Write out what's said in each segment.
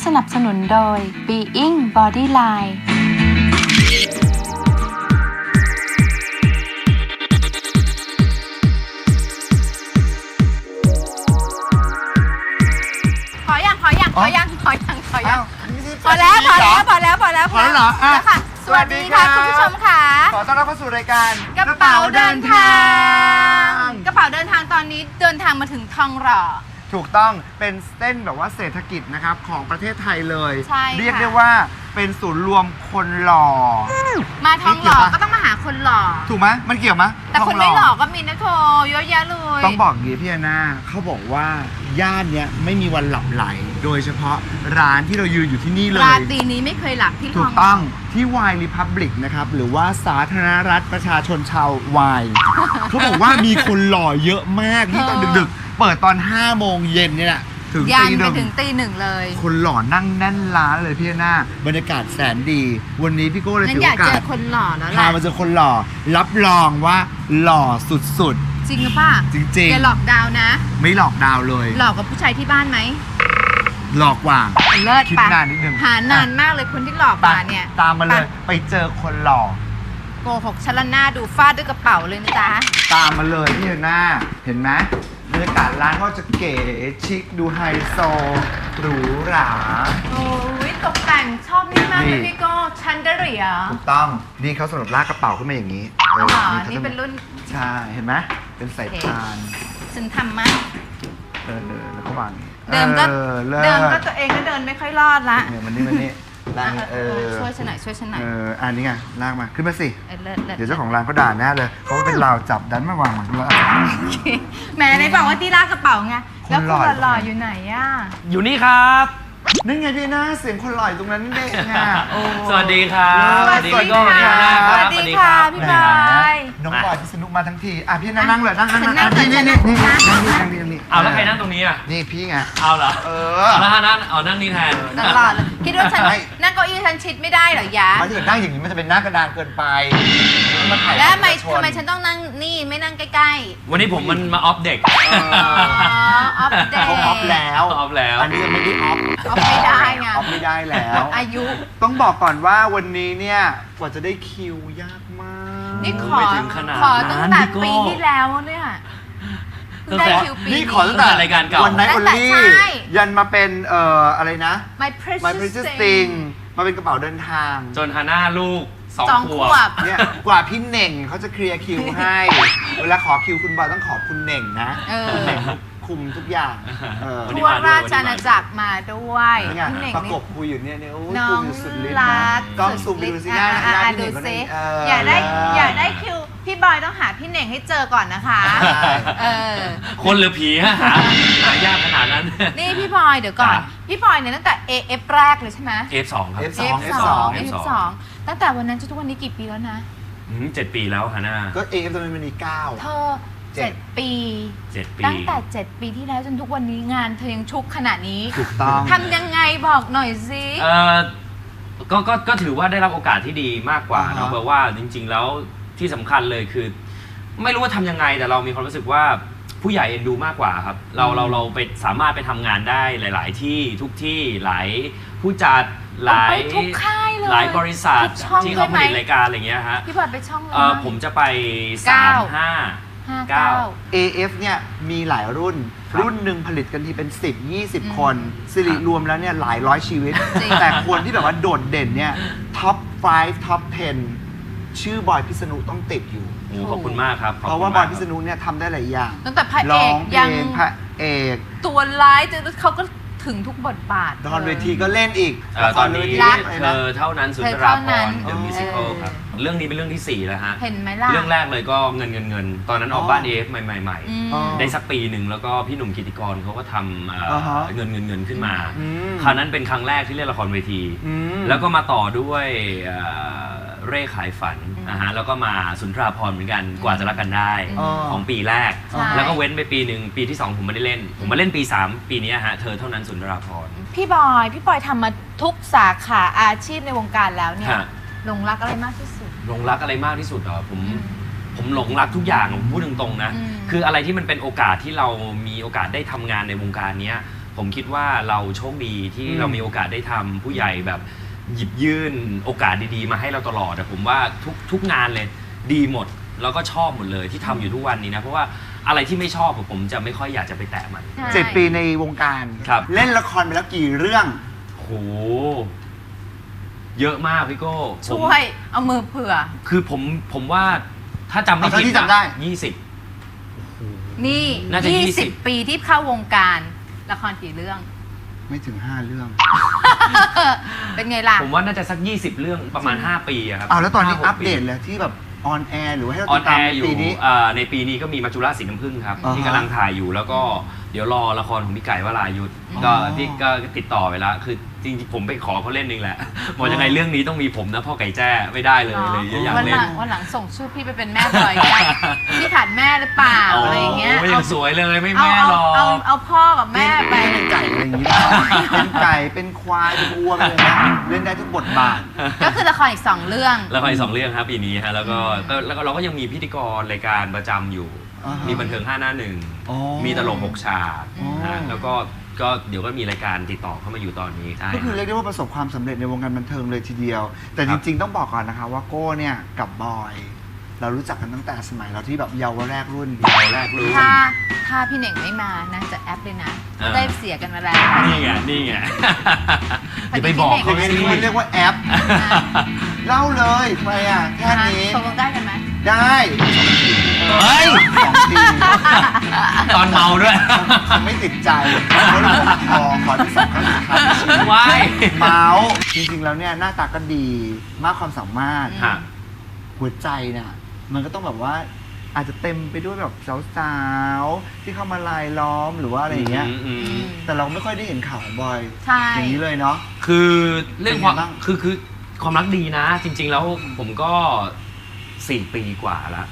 สนับสนุนโดย Being Bodyline พอแล้วพอเหรอค่ะสวัสดีค่ะคุณผู้ชมค่ะขอต้อนรับเข้าสู่รายการกระเป๋าเดินทางกระเป๋าเดินทางตอนนี้เดินทางมาถึงทองหล่อถูกต้องเป็นเส้นแบบว่าเศรษฐกิจนะครับของประเทศไทยเลยใช่เรียกได้ว่าเป็นศูนย์รวมคนหล่อมาทองหล่อก็ต้องมาหาคนหล่อถูกไหมมันเกี่ยวไหมแต่คนไม่หล่อก็มีนะโธ่เยอะแยะเลยต้องบอกอย่างนี้พี่แอนนาเขาบอกว่าย่านเนี้ยไม่มีวันหลับไหลโดยเฉพาะร้านที่เรายืนอยู่ที่นี่เลยราตรีนี้ไม่เคยหลับที่ทองหล่อถูกต้องที่ Wine Republic นะครับหรือว่าสาธารณรัฐประชาชนชาววาย เขาบอกว่ามีคนหล่อเยอะมากที่ตอนดึกๆเปิดตอน5 โมงเย็นเนี่ยแหละถึงยันตีไปถึงตี 1เลยคนหล่อนั่งแน่นร้านเลยพี่หน้าบรรยากาศแสนดีวันนี้พี่โก้เลยถือโอกาสอยากเจอคนหล่อแล้วล่ะพามาเจอคนหล่อรับรองว่าหล่อสุดจริงหรือเปล่าจริงๆอย่าหลอกดาวนะไม่หลอกดาวเลยหลอกกับผู้ชายที่บ้านไหมหลอกกว่าเลิศคิดปะนานนิดนึงหานานมากเลยคนที่หลอกมาเนี่ยตามมาเลยไปเจอคนหล่อโกหกชลนาดูฟาดด้วยกระเป๋าเลยนะจ๊ะตามมาเลยพี่หน้าเห็นไหมบรรยากาศร้านก็จะเก๋ชิคดูไฮโซหรูหราโอ้ยตกแต่งชอบนี่มากเลยพี่โก้ชันเดอเรียถูกต้องนี่เขาสำหรับลากกระเป๋าขึ้นมาอย่างนี้นี่เป็นรุ่นใช่เห็นไหมเป็นสายพานฉันทำมั้ยแล้วก็วางเดิมก็ตัวเองก็เดินไม่ค่อยรอดละเนี่ยมันนี่ช่วยฉันหน่อยอันนี้ไงลากมาขึ้นมาสิเดี๋ยวเจ้าของร้านเขาด่าแน่เลยเขาเป็นราวจับดันมาวางมันแล้วแหมในบอกว่าที่ลากกระเป๋าไงแล้วคนหล่ออยู่ไหนอ่ะอยู่นี่ครับนี่ไงพี่หน้าเสียงคนหล่อตรงนั้นเด็กไงสวัสดีครับสวัสดีพี่ค่ะพี่บอยน้องบอยพิษณุมาทั้งทีพี่หน้านั่งเลยนั่งนี่เอาแล้วใครนั่งตรงนี้อ่ะนี่พี่ไงเอาเหรอแล้วนั่งนั่งนี่แทนตลอดเลยคิดว่าฉันนั่งเก้าอี้ฉันชิดไม่ได้เหรอยะถ้าเกิดนั่งอย่างนี้มันจะเป็นหน้ากระดานเกินไปแล้วทำไมฉันต้องนั่งนี่ไม่นั่งใกล้ๆวันนี้ผมมันมาออฟเด็กออฟเด็กเขาออฟแล้วอันนี้ยังไม่ได้ออฟไม่ได้ไงออฟไม่ได้แล้วอายุต้องบอกก่อนว่าวันนี้เนี่ยกว่าจะได้คิวยากมากนี่ขอตั้งแต่ปีที่แล้วเนี่ยนี่ขอตั้งแต่รายการเก่าวันไหนโอลี่ยันมาเป็นอะไรนะ My Precious Thing มาเป็นกระเป๋าเดินทางจนฮาน่าลูก2 ขวบเนี่ยกว่าพี่เน่งเขาจะเคลียร์คิวให้เวลาขอคิวคุณบอยต้องขอบคุณเน่งนะคุณเน่งคุมทุกอย่างทั่วราชอาณาจักรมาด้วยพี่เน่งประกบคุยอยู่เนี่ยน้องรักกล้องซูมดูสิหน้าพี่เน่งซิอยากได้คิวพี่บอยต้องหาพี่เน่งให้เจอก่อนนะคะคนหรือผีหายากขนาดนั้นนี่พี่บอยเดี๋ยวก่อนพี่บอยเนี่ยตั้งแต่ AF แรกเลยใช่ไหม F2 ครับ F2 ตั้งแต่วันนั้นจนทุกวันนี้กี่ปีแล้วนะ 7 ปีแล้วฮาน่าก็ AF ตอนนี้9 เธอ7 ปีตั้งแต่7 ปีที่แล้วจนทุกวันนี้งานเธอยังชุกขนาดนี้ถูกต้องทำยังไงบอกหน่อยสิก็ถือว่าได้รับโอกาสที่ดีมากกว่าเนาะเพราะว่าจริงๆแล้วที่สำคัญเลยคือไม่รู้ว่าทำยังไงแต่เรามีความรู้สึกว่าผู้ใหญ่เอ็นดูมากกว่าครับเราไปสามารถไปทำงานได้หลายๆที่ทุกที่หลายผู้จัดหลายทุกค่ายเลยหลายบริษัทที่เขาผลิตรายการอะไรเงี้ยฮะพี่บอยไปช่องเลยผมจะไป 9 AF เนี่ยมีหลายรุ่นหนึ่งผลิตกันทีเป็น10-20 คนสิริรวมแล้วเนี่ยหลายร้อยชีวิตแต่คนที่แบบว่าโดดเด่นเนี่ยท็อป5ท็อป10ชื่อบอยพิษณุต้องติดอยู่ขอบคุณมากครับเพราะว่าบอยพิษณุเนี่ยทำได้หลายอย่างตั้งแต่พระเอกยังพระเอกตัวร้ายเขาก็ถึงทุกบทบาทตอนเวทีก็เล่นอีกตอนนี้เธอเท่านั้นสุนทราภรณ์ The Musical ครับเรื่องนี้เป็นเรื่องที่4แล้วฮะเห็นไหมล่ะเรื่องแรกเลยก็เงินตอนนั้นออกบ้าน AF ใหม่ได้สักปีหนึ่งแล้วก็พี่หนุ่มกิติกรเขาก็ทำเงินขึ้นมาคราวนั้นเป็นครั้งแรกที่เล่นละครเวทีแล้วก็มาต่อด้วยเร่ขายฝันนะฮะแล้วก็มาสุนทราภรณ์เหมือนกันกว่าจะรักกันได้ของปีแรกแล้วก็เว้นไปปีหนึ่งปีที่2ผมไม่ได้เล่นผมมาเล่นปี3ปีนี้ฮะเธอเท่านั้นสุนทราภรณ์พี่บอยทำมาทุกสาขาอาชีพในวงการแล้วเนี่ยหลงรักอะไรมากที่สุดหลงรักอะไรมากที่สุดเหรอผมหลงรักทุกอย่างผมพูดตรงๆนะคืออะไรที่มันเป็นโอกาสที่เรามีโอกาสได้ทำงานในวงการนี้ผมคิดว่าเราโชคดีที่เรามีโอกาสได้ทำผู้ใหญ่แบบหยิบยื่นโอกาสดีๆมาให้เราตลอดแต่ผมว่าทุกงานเลยดีหมดแล้วก็ชอบหมดเลยที่ทำอยู่ทุกวันนี้นะเพราะว่าอะไรที่ไม่ชอบผมจะไม่ค่อยอยากจะไปแตะมัน 7 ปีในวงการครับเล่นละครไปแล้วกี่เรื่องโหเยอะมากพี่โก้ผมช่วยเอามือเผื่อคือผมว่าถ้าจำไม่เอาผิดเท่าที่จำได้นี่น่าจะ20 20 ปีที่เข้าวงการละครกี่เรื่องไม่ถึง 5 เรื่องเป็นไงล่ะผมว่าน่าจะสัก20 เรื่องประมาณ5 ปีอะครับเอาแล้วตอนนี้ 5-6 อัปเดตปีเลยที่แบบออนแอร์หรือว่าให้เราออตินดแอตามร์อยู่ปีนี้ในปีนี้ก็มีมัจจุราชสีน้ำผึ้งครับอ่าฮะที่กำลังถ่ายอยู่แล้วก็เดี๋ยวรอละครของพี่ไก่วรายุทธอ๋อก็ที่ก็ติดต่อไปแล้วคือจริงๆผมไปขอเขาเล่นเองแหละบอกยังไงเรื่องนี้ต้องมีผมนะพ่อไก่แจ้ไม่ได้เลยอยากวันเล่หนลังวันหลังส่งชื่อพี่ไปเป็นแม่บอยกันพี่ขาดแม่หรือเปล่าอะไรอย่างเงี้ยโอ้ยังสวยเลยไม่เอาแม่หรอกเอาพ่อกับแม่ไปเป็นไก่อะไรอย่างนี้ป่ะเป็นไก่เป็นควายเป็นวัวเป็นอะไรนะเล่นได้ทุกบทบาทก็คือละครอีก 2 เรื่องละครอีก2 เรื่องครับปีนี้ฮะแล้วก็เราก็ยังมีพิธีกรรายการประจำอยู่อ่าฮะมีบันเทิง5 หน้าอ๋อ 1มีตลก6 ฉากอ๋อฮะแล้วก็เดี๋ยวก็มีรายการติดต่อเข้ามาอยู่ตอนนี้ใช่ก็คือเรียกได้ว่าประสบความสำเร็จในวงการบันเทิงเลยทีเดียว แต่จริงๆต้องบอกก่อนนะคะว่าโก้เนี่ยกับบอย เรารู้จักกันตั้งแต่สมัยเราที่แบบเยาวแรกรุ่นเราแรกรู้ถ้าพี่เหน่งไม่มานะจะแอปเลยนะอ่าได้เสียกันมาแล้วนี่ไงอย่าไปบอกเขาเขาสิเรียกว่าแอป เล่าเลยทำไมอ่ะแค่นี้ตกลงได้กันไหมได้เฮ้ย 2 ทีตอนเมาด้วยเขาไม่ติดใจเขาเลยบอกขอที่สองครั้งสุดท้ายในชีวิตว้ายเมาส์จริงๆแล้วเนี่ยหน้าตาก็ดีมากความสามารถฮะหัวใจเนี่ยมันก็ต้องแบบว่าอาจจะเต็มไปด้วยแบบสาวๆที่เข้ามาลายล้อมหรือว่าอะไรอย่างเงี้ยอืมแต่เราไม่ค่อยได้เห็นข่าวของบอยใช่อย่างนี้เลยเนาะคือเรื่องความเป็นไงบ้างคือความรักดีนะ จริง ๆ แล้วผมก็4 ปีกว่าละ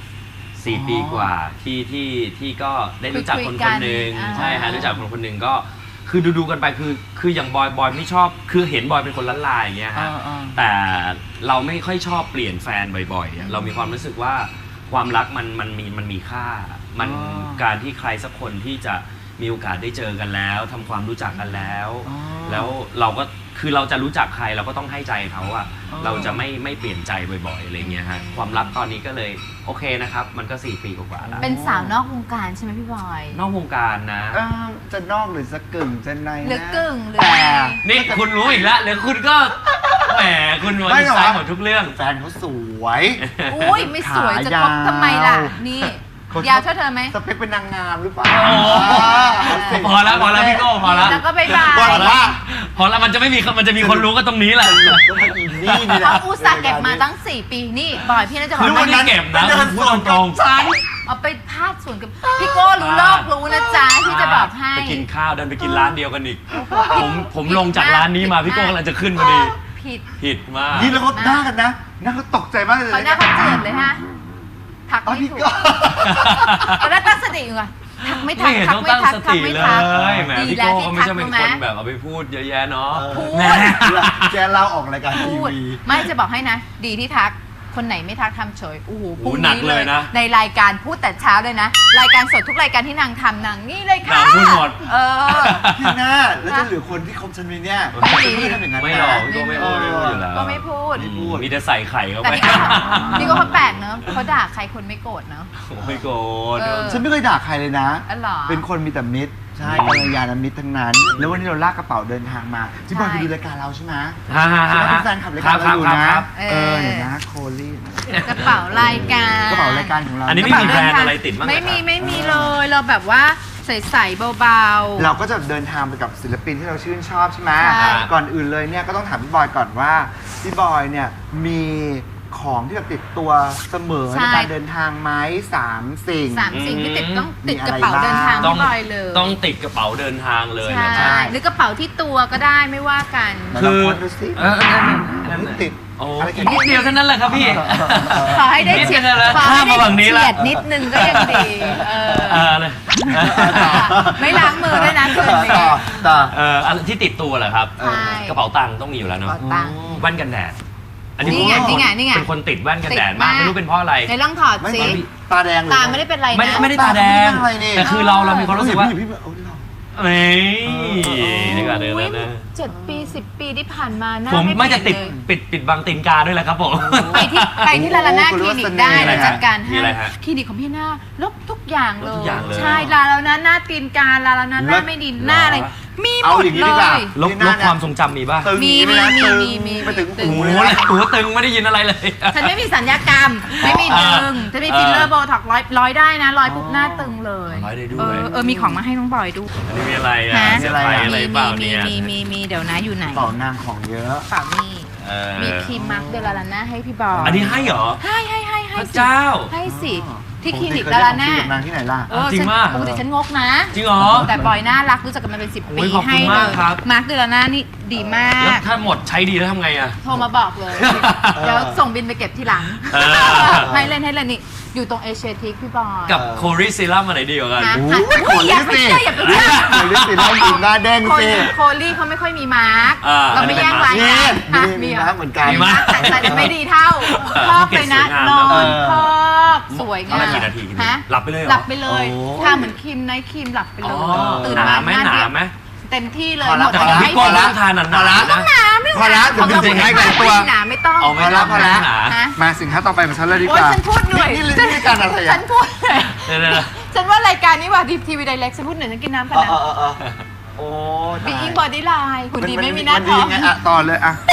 4 ปีกว่าที่ก็ได้รู้จักคนคนหนึ่งคุยกันใช่ฮะรู้จักคนคนหนึ่งก็คือดูกันไปคืออย่างบอยไม่ชอบคือเห็นบอยเป็นคนละลายอย่างเงี้ยฮะ แต่เราไม่ค่อยชอบเปลี่ยนแฟนบ่อยๆอะเรามีความรู้สึกว่าความรักมันมีค่า มันอ๋อการที่ใครสักคนที่จะมีโอกาสได้เจอกันแล้วทำความรู้จักกันแล้วอ๋อแล้วเราก็คือเราจะรู้จักใครเราก็ต้องให้ใจเขาอะอ๋อเราจะไม่เปลี่ยนใจบ่อยๆอะไรเงี้ยฮะความรักตอนนี้ก็เลยโอเคนะครับมันก็4 ปีกว่าๆแล้วเป็นสาวนอกวงการใช่ไหมพี่บอยนอกวงการนะจะนอกหรือจะกึ่งจะในนะหรือกึ่งหรือแต่ไงนี่คุณรู้อีกแล้วเดี๋ยวคุณก็แหมคุณวันไม่นี้หรอใส่หมดทุกเรื่องแฟนเขาสวยอุ้ยไม่สวยจะคบทำไมล่ะ นี่เขาชอบยาวเท่าเธอไหมสเปคเป็นนางงามหรือเปล่าโอ้พอแล้วพี่โก้พอแล้วแล้วก็บายบาบอย กว่าพอแล้วมันจะมีคนรู้ก็ตรงนี้แหละก็มาอินนี่นี่แหละเขาอุตส่าห์เก็บมาตั้ง 4 ปีนี่บอยพี่น่าจะบอกคือว่าวันนั้น เก็บนะเดินสวนกับฉันเอาไปพาดสวนกับพี่โก้รู้โลกรู้นะจ๊ะที่จะบอกให้ไปกินข้าวดันไปกินร้านเดียวกันอีกผมลงจากร้านนี้มาพี่โก้กำลังจะขึ้นพอดีผิดมากนี่แล้วเขาหน้ากันนะหน้าเขาตกใจมากเลยเขาหน้าเขาเจือนเลยฮะทักอ๋อไม่พี่ถูกก็ตอนแรกตั้งสติอยู่อะทักไม่ทัไม่กเห็นทักต้องไม่ตั้งทักสทักติไม่เลทักยแหมดีพี่แล้วโก้ที่ก็ไม่ใช่เป็นทัคนกรู้ไหมแบบเอาไปพูดเยอะแยะเนาะพูดแหมแกเล่าออกรายการทีพูดวีไม่จะบอกให้นะ ดีที่ทักคนไหนไม่ทักทำเฉยโอ้โหพรุ่งหนักนี้เลยนะในรายการพูดแต่เช้าเลยนะ รายการสดทุกรายการที่นางทำนางนี่เลยค่ะนางพูดหมดเออพี่หน้าแล้วจะเหลือคนที่คบฉันไหมเนี่ยไม่มีไม่ทำอย่างนั้นไม่นะหรอกพี่โก้ไม่พูดอยู่แล้วก็ไม่พูดไม่พูดมีแต่ใส่ไข่เข้าแต่ไปนี่ก็เขาแปลกเนอะเขาด่าใครคนไม่โกรธเนอะไม่โกรธเออฉันไม่เคยด่าใครเลยนะอ๋อเหรอเป็นคนมีแต่มิตร ใช่กัลยาณมิตรทั้งนั้น แล้ววันนี้เราลากกระเป๋าเดินทางมาที่บอยไปดูรายการเราใช่ไหมฮ่าฮ่าใช่ฮ่าไหมเป็นแฟนขับรายการเราอยู่นะครับเห็นนะโคลี่กระเป๋ารายการกระเป๋ารายการของเราอันนี้ไม่มีแบรนด์อะไรติดบ้างเหรอไม่มีครับไม่มีเลยเราแบบว่าใสๆเบาๆเราก็จะเดินทางไปกับศิลปินที่เราชื่นชอบใช่ไหมใช่ก่อนอื่นเลยเนี่ยก็ต้องถามพี่บอยก่อนว่าพี่บอยเนี่ยมีของที่แบบติดตัวเสมอใช่ในการเดินทางไหม3 สิ่งสามสิ่งที่ติดต้องมีติดอะไรกระเป๋าเดินทางบ้างพี่บอยเลยต้องติดกระเป๋าเดินทางเลยใช่นะครับหรือกระเป๋าที่ตัวก็ได้ไม่ว่ากันไหนลองโพสต์ดูสินั่นนี่ติดโอ้อะไรอีกนิดเดียวเท่านั้นแหละครับพี่ขอให้ได้เฉียดนิดนึงแล้วขอให้ข้ามมาฝั่งนี้ได้ละเฉียดนิดนึงก็ยังดีเลยไม่ล้างมือด้วยนะคืนนี้ต่ออันที่ติดตัวเหรอครับใช่กระเป๋าตังค์ต้องมีอยู่แล้วกระเนาะเป๋าตังค์แว่นกันแดด อันนี้นี่ไงผมนี่ไงเป็นคนติดแว่นกันแดดติดมากมากไม่รู้เป็นเพราะอะไรในลองถอดไม่สิตาแดงเลยตาไม่ได้เป็นไรนะไม่ได้ตาแดงตาไม่ได้เป็นอะไรนี่แต่คือเรามีความรู้สึกว่าพี่แบบโอ้ยเรานี่ก็เดินอุ๊ยแล้วนะ 7 ปี 10 ปีที่ผ่านมาหน้าผมไม่จะเปลี่ติยดนเลยปิดบังตีนกาด้วยแหละครับผมไปที่ลาลาน่าคลินิกได้มีอะไรเดี๋ยวจัดการมีให้อะไรฮะคลินิกของพี่หน้าลบทุกอย่างเลลบทุยกอย่างเลยใช่ลาลาน่าหน้าตีนกาลาลาน่าหน้าไม่ดีหน้าอะไรมีหเอามดอย่างนี้เลดีกว่ายลบความทรงจำมีป่ะตึงมีอย่างนี้ไหนะมีตึงมีไปถึงตึงหูโอ้เลโหยนะตัวตึงไม่ได้ยินอะไรเลยฉันไม่มีสัญญกรรม ไม่มีดึงจะมีฟิลเลอร์โบท็อกร้อยได้นะร้อยปุ๊บหน้าตึงเลยร้อยได้ด้วยมีของมาให้น้องบอยดูอันนี้มีอะไรอ่ะฮะเสื้อผ้าอะไรเปล่าเนี่ยมีเดี๋ยวนะอยู่ไหนเป่านางของเยอะเปล่านี่เออมีครีมมาร์คเดลาลาน่าให้พี่บอยอันนี้ให้เหรอให้พระเจ้าให้สิอ๋อที่คลินิกปติดาราหน้าเคยได้ของฟรีกับนางที่ไหนล่ะจริงฉันมากปกติฉันงกนะจริงเหรอแต่บอยน่ารักรู้จักกันมาเป็น 10 โอ้ปียขอบคุณให้เลมากยครับมาร์คเดลาน่านี่ดีมาแล้วกถ้าหมดใช้ดีแล้วทำไงอ่ะโทรมาบอกเลย เดี๋ยวส่งบินไปเก็บทีหลังเออให้เล่นนี่ อยู่ตรงเอเชียทิกพี่บอยกับโคริซิลัมอันไหนดีกว่ากันฮะโอ้ยอุ๊ยอย่าไปเชื่ออย่าไปเชื่อโอ้ยลิปสติกแล้วหญิงหน้าเด้งโคสิโคลี่เขาไม่ค่อยมีมาร์กอ่าเราไม่แย่งรายนี่กันมีเหรนะเหมือนกันมีมั้ยแต่ไม่ดีเท่าพอกเลยนะเออนอนเออพอกสวยเอางาละมกี่นาทีกินฮะหลับไปเลยเหรอหลับไปเลยโอ้ทาเหมือนครีมไนท์ครีมหลับไปเลอ๋ยอตื่นหนามาไหมน้หนาไหมเต็มที่เลยพอหละมดแต่เลยของให้พี่โก้ต้องทานหนาๆนะหนาไม่พอละเดี๋ยวบินถึงให้ไกลตัวหนาไม่ต้องเอาไม่ต้องพอละหนาฮะมาสินค้าต่อไปมาฉันเลยดีโอ๊กยว่าฉันพูดเหนื่อยนี่รายการอะไรฉัอ่ะนพูดเหนื่อยเดี๋ยวฉันว่ารายการนี้ว่าทีวีไดเรกฉันพูดเหนื่อยฉันกินน้ำกันนะโอ้บีอิงบอดี้ไลน์คุณดีไม่มีหมัน้าดีท้องไงอ่ะต่อเลยอ่ะ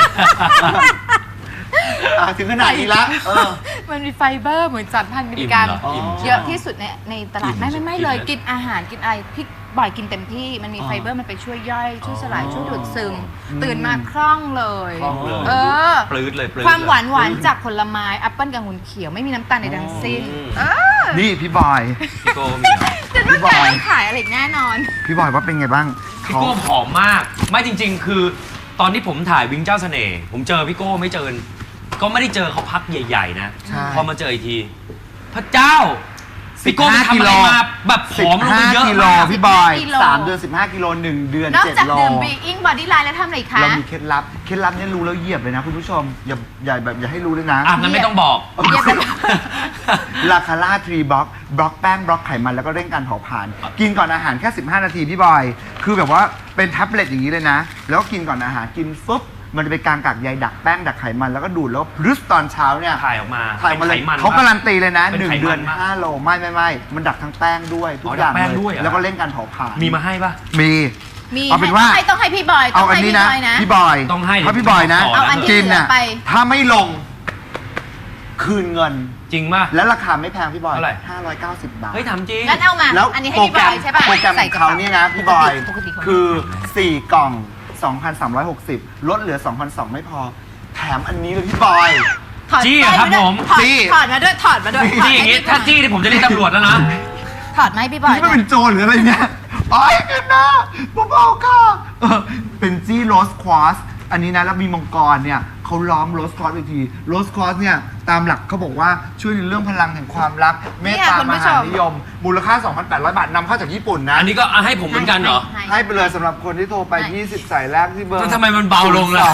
ถึงขนาดนี้ละมันมีไฟเบอร์เหมือน3,000 มิลลิกรัมอิ่มเหรอเยอะที่สุดในตลาดอิ่มไม่กินเลยนะกินอาหารกินอะไรพี่บ่อยกินเต็มที่มันมีไฟเบอร์มันไปช่วยย่อยช่วยสลายช่วยดูดซึมตื่นมาคล่องเลยคล่องเลยเออปลื้ดเลยปลื้ดความหวานเลยหวานจากผลไม้แอปเปิ้ลกับองุ่นเขียวไม่มีน้ำตาลในทั้งสิ้นนี่พี่บอยพี่โก้มีเหรอฉันว่าแกต้องขายอะไรอีกแน่นอนพี่บอยว่าเป็นไงบ้างพี่โก้ผอมมาก ไม่จริง ๆ คือตอนที่ผมถ่ายวิงเจ้าเสน่ห์ผมเจอพี่โก้ไม่เจอ ก็ไม่ได้เจอเขาพักใหญ่ ๆ นะใช่พอมาเจออีกที พระเจ้า พี่โก้ไปทำอะไรมาแบบผอมลงไปเยอะ 15 กิโลมากพี่บอยกิโล 3 เดือน 15 กิโล 1 เดือนนอกจาก 7 โลดื่มบีอิงบอดี้ไลน์แล้วทำอะไรอีกคะเรามีเคล็ดลับเนี่ยรู้แล้วเหยียบเลยนะคุณผู้ชม อย่าให้รู้เลยนะอ่ะงั้นไม่ต้องบอกเรียบร้อยลาคาร่าทรีบล็อกบล็อกแป้งบล็อกไขมันแล้วก็เร่งการเผาผลาญกินก่อนอาหารแค่ 15 นาทีพี่บอย คือแบบว่าเป็นแท็บเล็ตอย่างนี้เลยนะ แล้วก็กินก่อนอาหารกินปุ๊บมันจะไปกลางกากใยดักแป้งดักไขมันแล้วก็ดูดแล้วพรึสตอนเช้าเนี่ยถ่ายออกมาถ่ายมาเลยป็นไขมันเขาการันตีเลยนะเป็นไขมัน 1 เดือนปะ 5 โลไม่มันดักทั้งแป้งด้วยทุกอ๋ออย่างดักแป้งเลด้วยยเหรอแล้วก็เร่งการเผาผลาญมีมาให้ปะมีมีเอาเป็นว่าต้องให้พี่บอยเอาอันนี้นะ พี่บอยต้องให้ถ้าพี่บอยนะเอาอันที่กินเหลืน่ะอไปถ้าไม่ลง คืนเงินจริงป่ะและราคาไม่แพงพี่บอยเท่าไหร่ 590 บาทเฮ้ยทำจริงงั้นเอามาแล้วอันนี้ให้โปรพี่แกบรอมยใช่ป่ะโปรแกรมใส่ของเขาเนี่ยนะพี่บอยปกติเขาคือ 4 กล่อง 2,360 ลดเหลือ 2,200 ไม่พอ แถมอันนี้เลยพี่บอยถอดจี้อะครับสร้อยาด้วยผมถอดจี้ถอดมาด้วยถอดมาด้วยจี้อย่างงี้ถ้าจี้นี่ผมจะเรียกตำรวจแล้วนะถอดไหมาให้พี่บอยนี่มันเป็นโจรหรืออะไรเนี่ยโอ้ยกันนะเบาๆค่ะเป็นจี้โรสควอสอันนี้นะแล้วมีมังกรเนี่ยเขาล้อมโรสควอสอีกทีโรสควอสเนี่ยตามหลักเขาบอกว่าช่วยในเรื่องพลังแห่งความรัก เมตตามหานิยม มูลค่า 2,800 บาทนำเข้าจากญี่ปุ่นนะอันนี้ก็ให้ผมเหมือนกันเหรอให้ไปเลยสำหรับคนที่โทรไป 20 สายแรกที่เบอร์แล้วทำไมมันเบาลงล่ะ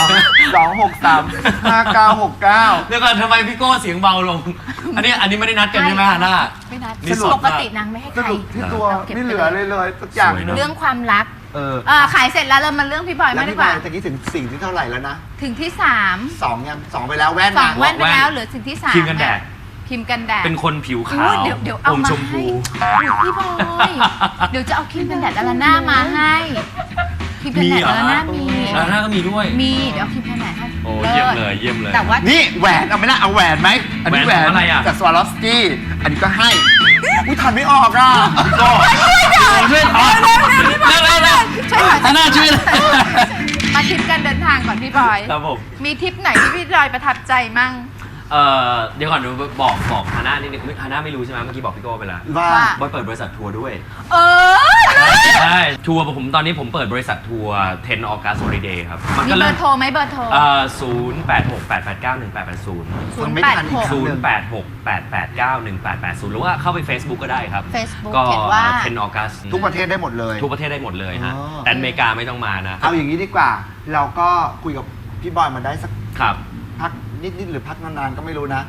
263 5969 เดี๋ยวก่อนทำไมพี่โก้เสียงเบาลง อันนี้ไม่ได้นัดกันใช่ไหมฮะน่าไม่นัดนี่สดมากปกตินางไม่ให้สใครรุปที่ตัวราก็บไม่เหลือเลยสักอย่างสวยเนอะเรื่องความรัก ขายเสร็จแล้วเรามาเรื่องพี่บอยแล้วมากดีพี่กบอว่ายตะกี้ถึงสิ่งที่เท่าไหร่แล้วนะถึงที่ 2 ยัง 2 ไปแล้วแว่น 2 นะแว่นไปแล้วเหลือถึงที่3 ครีมกันแดดครีมกันแดดเป็นคนผิวขาวอุ๊ยเดี๋ยวเอาอมมาชมพูให้พี่บอย เดี๋ยวจะเอาครีมกันแดดดาราน่ามาให้ครีมกันแดดดาราน่ามีแล้วหน้าก็มีด้วยมีเดี๋ยวเอาครีมกันแดดให้โอ้เยี่ยมเลยเยี่ยมเลยแต่ว่านี่แหวนเอาไหมล่ะเอาแหวนไหมอันนี้แหแหววน นของอะไรอ่ะจากสวาลอฟสกี้อันนี้ก็ให้อุ้ยทันไม่ออกอ่ะก็ช่วยถอนเร็วช่วยหน่อยๆน่าช่วยเลยมาทริปการเดินทางก่อนพี่บอยครับผมมีทริปไหนที่พี่บอยประทับใจมั่งเดี๋ยวก่อนดูบอกฮาน่านิดนึงฮาน่าไม่รู้ใช่ไหมเมื่อกี้บอกพี่โก้ไปแล้วว่าบอยเปิดบริษัททัวร์ด้วยเออใช่ทัวร์ผมตอนนี้ผมเปิดบริษัททัวร์10 August Holiday ครับมีเบอร์โทรไหมเบอร์โทร 086-889-1880 ฟังไม่ทันอีกครั้งหนึ่ง 086-889-1880 หรือว่าเข้าไป Facebook ก็ได้ครับ Facebook ก็เขียนว่า 10 August ทุกประเทศได้หมดเลยทุกประเทศได้หมดเลยฮะอ๋อแต่อเมริกาไม่ต้องมานะเอาอย่างนี้ดีกว่า เราก็คุยกับพี่บอยมาได้สักครับพักนิดๆหรือพักนานๆก็ไม่รู้นะ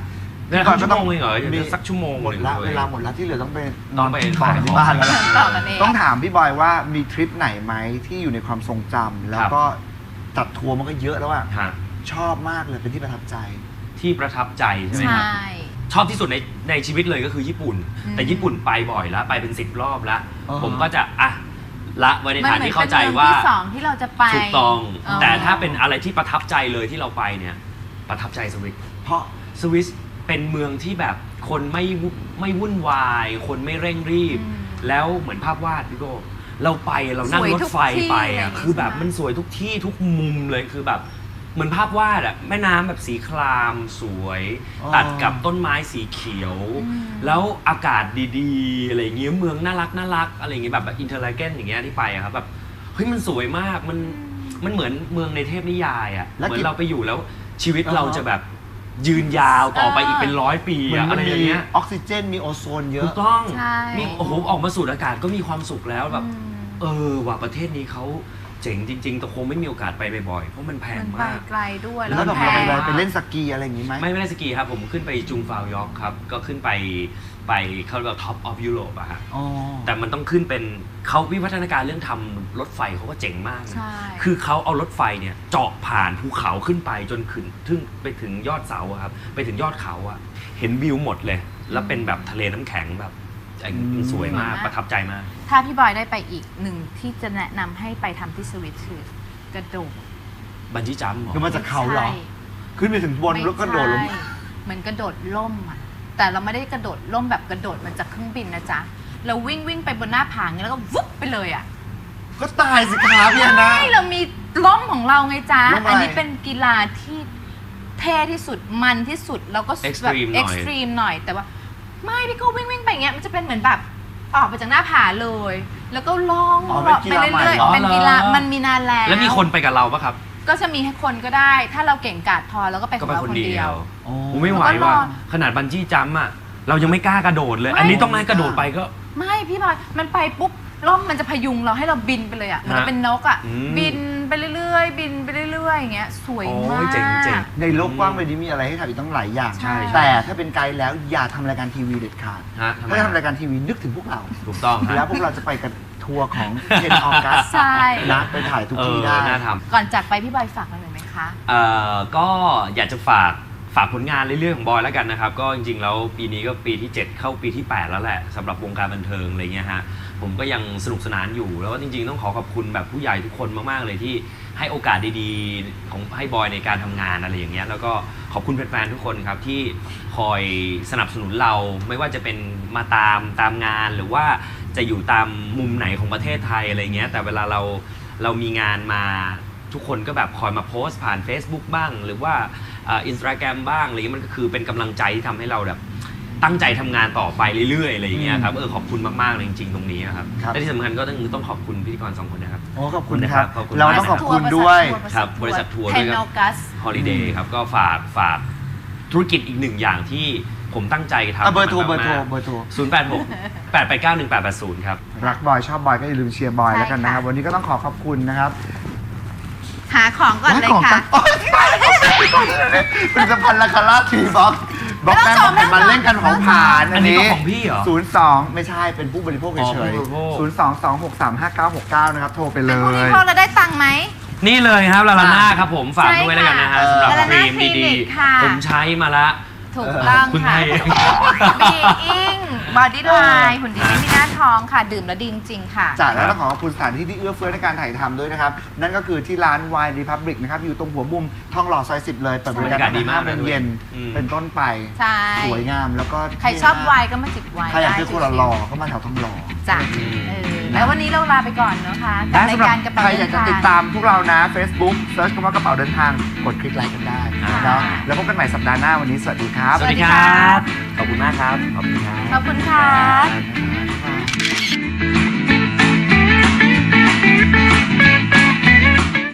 เนี่ยก่อนชั่ก็วต้โมองงเองเหรอเดี๋ยวสักชั่วโมงหมดนึ่งละยเวลาหมดละที่เหลือต้องไปต้องไปต่อที่บ้านแล้วล่ะต่อกันเองต้องถามพี่บอยว่ามีทริปไหนไหมที่อยู่ในความทรงจำแล้วก็จัดทัวร์มันก็เยอะแล้วอะฮะชอบมากเลยเป็นที่ประทับใจที่ประทับใจใช่ไหมใชครับ่ชอบที่สุดในชีวิตเลยก็คือญี่ปุ่น แต่ญี่ปุ่นไปบ่อยแล้วไปเป็น10 รอบแล้วอ๋อผมก็จะละไว้ในมันฐานเหมือนที่เป็เข้าน ใจเมืองว่าที่สองที่เราจะไปถูกต้องอ๋อแต่ถ้าเป็นอะไรที่ประทับใจเลยที่เราไปเนี่ยประทับใจสวิตเพราะสวิสเป็นเมืองที่แบบคนไม่วุ่นวาย คนไม่เร่งรีบ แล้วเหมือนภาพวาดพี่โก้เราไปเรานั่งรถไฟไปอ่ะคือแบบมันสวยทุกที่ทุกมุมเลยคือแบบเหมือนภาพวาดอ่ะแม่น้ำแบบสีครามสวยอ๋อตัดกับต้นไม้สีเขียว แล้วอากาศดีๆอะไรอย่างเงี้ยเมืองน่ารักอะไรอย่างเงี้ยแบบอินเทอร์ไลเกนอย่างเงี้ยที่ไปอะครับแบบเฮ้ยมันสวยมากมันเหมือนเมืองในเทพนิยายอ่ะเหมือนเราไปอยู่แล้วชีวิตเราจะแบบยืนยาวต่อไปอีกเป็น100 ปีเหมือนอะมัอะนไรอมีย่างเงี้ยออกซิเจนมีโอโซนเยถูอะกต้องใช่มีโอ้โหออกมาสูดอากาศก็มีความสุขแล้วแบบว่าประเทศนี้เขาเจ๋งจริงๆแต่คงไม่มีโอกาสไปบ่อยๆเพราะมันแพงมันไปมากไกลด้วยแล้วแบบแพเรางไปเล่นสกีอะไรอย่างงี้ไหมไม่ได้สกีครับผมขึ้นไปจุงฟาวยอร์กครับก็ขึ้นไปเขาเรียกว่าท็อปออฟยุโรปอะฮะอ๋อแต่มันต้องขึ้นเป็นเขาวิวัฒนาการเรื่องทำรถไฟเขาก็เจ๋งมากนะใช่คือเขาเอารถไฟเนี่ยเจาะผ่านภูเขาขึ้นไปจนขึ้นไปถึงยอดเสาอะครับไปถึงยอดเขาอะเห็นวิวหมดเลย แล้วเป็นแบบทะเลน้ำแข็งแบบสวยมากประทับใจมากถ้าพี่บอยได้ไปอีกหนึ่งที่จะแนะนำให้ไปทำที่สวิตคือกระโดดบันจี้จัมป์เหรอคือมาจากเขาเหรอใช่ขึ้นไปถึงบนแล้วก็โดดลงไม่ใช่เหมือนกระโดดล่มอ่ะแต่เราไม่ได้กระโดดล่มแบบกระโดดมันจากเครื่องบินนะจ๊ะเราวิ่งไปบนหน้าผาอย่างนี้แล้วก็วุบไปเลยอ่ะก็ตายสิครับพี่นะใช่เรามีล่มของเราไงจ๊ะล่มอะไรอันนี้เป็นกีฬาที่เท่ที่สุดมันที่สุดแล้วก็แบบ Extreme หน่อยเอ็กซ์ตรีมหน่อยแต่ว่าไม่พี่ก็วิ่งไปอย่างเงี้ยมันจะเป็นเหมือนแบบออกไปจากหน้าผาเลย แล้วก็ล่องอ๋อเป็นกีฬาใหม่ไปเรื่อยเหรอๆเป็นกีฬามันมีนานแล้วแล้วมีคนไปกับเราปะครับก็จะมีให้คนก็ได้ ถ้าเราเก่งกาจพอแล้วก็ไปขก็องไปเราคนคนเดีเดียยว วผมไม่ไหวแล้วก็รว่าอขนาดบันจี้จัมป์อะเรายังไม่กล้ากระโดดเลยไม่อันนี้ต้องให้กระโดดไปก็ไม่พี่บอยมันไปปุ๊บร่มมันจะพยุงเราให้เราบินไปเลยอ่ะเหมันเป็นนกอ่ะอืมบินไปเรื่อยๆบินไปเรื่อยๆอย่างเงี้ยสวยโอ้มาย กเจ๋งในโลกกว้างใบนี้มีอะไรให้ทำอีกตั้งหลายอย่างใช่แต่ถ้าเป็นไกด์แล้วอย่าทำรายการทีวีเด็ดขาดฮะทำไมถ้าทำรายการทีวีนึกถึงพวกเราถูกต้องฮะแล้วพวกเราจะไปกันทัวร์ของเทนออกัสใช่นะไปถ่ายทุกที่ได้น่าทก่อนจากไปพี่บอยฝากอะไรหน่อยไหมคะำก็อยากจะฝากผลงานเรื่อยๆของบอยแล้วกันนะครับ ก็จริงๆแล้วปีนี้ก็ปีที่ 7 เข้าปีที่ 8 แล้วแหละสำหรับวงการบันเทิงอะไรเงี้ยฮะผมก็ยังสนุกสนานอยู่แล้วก็จริงๆต้องขอบคุณแบบผู้ใหญ่ทุกคนมากๆเลยที่ให้โอกาสดีๆของให้บอยในการทำงานอะไรอย่างเงี้ยแล้วก็ขอบคุณแฟนๆทุกคนครับที่คอยสนับสนุนเราไม่ว่าจะเป็นมาตามงานหรือว่าจะอยู่ตามมุมไหนของประเทศไทยอะไรเงี้ยแต่เวลาเรามีงานมาทุกคนก็แบบคอยมาโพสต์ผ่าน Facebook บ้าง หรือว่าInstagram บ้างอะไรเงี้ยมันก็คือเป็นกำลังใจที่ทำให้เราแบบตั้งใจทำงานต่อไปเรื่อยๆอะไรอย่างเงี้ยครับขอบคุณมากๆเลยจริงๆตรงนี้นะครับครับและที่สำคัญก็ต้องขอบคุณพิธีกร2 คนนะครับโอ้ขอบคุณครับขอบคุณเราต้องขอบคุณด้วยครับบริษัททัวร์เทด้วยนคอรับกัส Holiday ครับก็ฝากธุรกิจอีกหนึ่งอย่างที่ผมตั้งใจทำเบอร์โทรมากๆ 086-889-1880 ครับรักบอยชอบบอยก็อย่าลืมเชียร์บอยใช่แล้วกันนะครับค่ะวันนี้ก็ต้องขอบคุณนะครับหาของก่อนเลยค่ะโอ๊ยผลิตภัณฑ์ลาคาร่าทีบ็อกบล็อกแป้งบอกมาเล่นกันของผ่านอันนี้ก็ของพี่เหรอ 02 ไม่ใช่เป็นผู้บริโภคอ๋อเฉยผู้บริโภค 02-263-5969 นะครับ โทรไปเลเป็นผู้บริยโภคเราได้ตังค์ไหมนี่เลยครับลาลาน่าครับผมฝากใช่ด้วยแล้วกันนะฮะค่ะสำหรับลาลาคน่ารีมคลิดีนิกค่ะๆ ผมใช้มาละถูกต้องเพิ่งค่ะให้บีอิงบอดี้ไลน์หุ่นดีไม่มีหน้าท้องค่ะ ดื่มแล้วดีจริงๆค่ะจากแล้วต้องขอขอบคุณสถานที่ที่เอื้อเฟื้อในการถ่ายทำด้วยนะครับ นั่นก็คือที่ร้าน Wine Republic นะครับ อยู่ตรงหัวมุมทองหล่อซอย 10 เลยเปิดบริการบรรยากาศดีมาก 5โมงเย็นอืมเป็นต้นไปใช่สวยงามแล้วก็ใครชอบไวน์ก็มาจิบไวน์ใครอยากได้ซื้อคนละหล่อก็มาแถวทองหล่อจ้ะแล้ววันนี้เราลาไปก่อนนะคะกับและรายสำหรับการกระเป๋าใครอเดิยากนจะทางติดตามพวกเรานะ Facebook เซิร์ชคำว่ากระเป๋าเดินทางกดคลิกไลค์กันได้อ่าเนาะแล้วพบกันใหม่สัปดาห์หน้าวันนี้สวัสดีครับสวัสดีครับ ขอบคุณมากครับ ขอบคุณครับขอบคุณค่ะบ๊ายบาย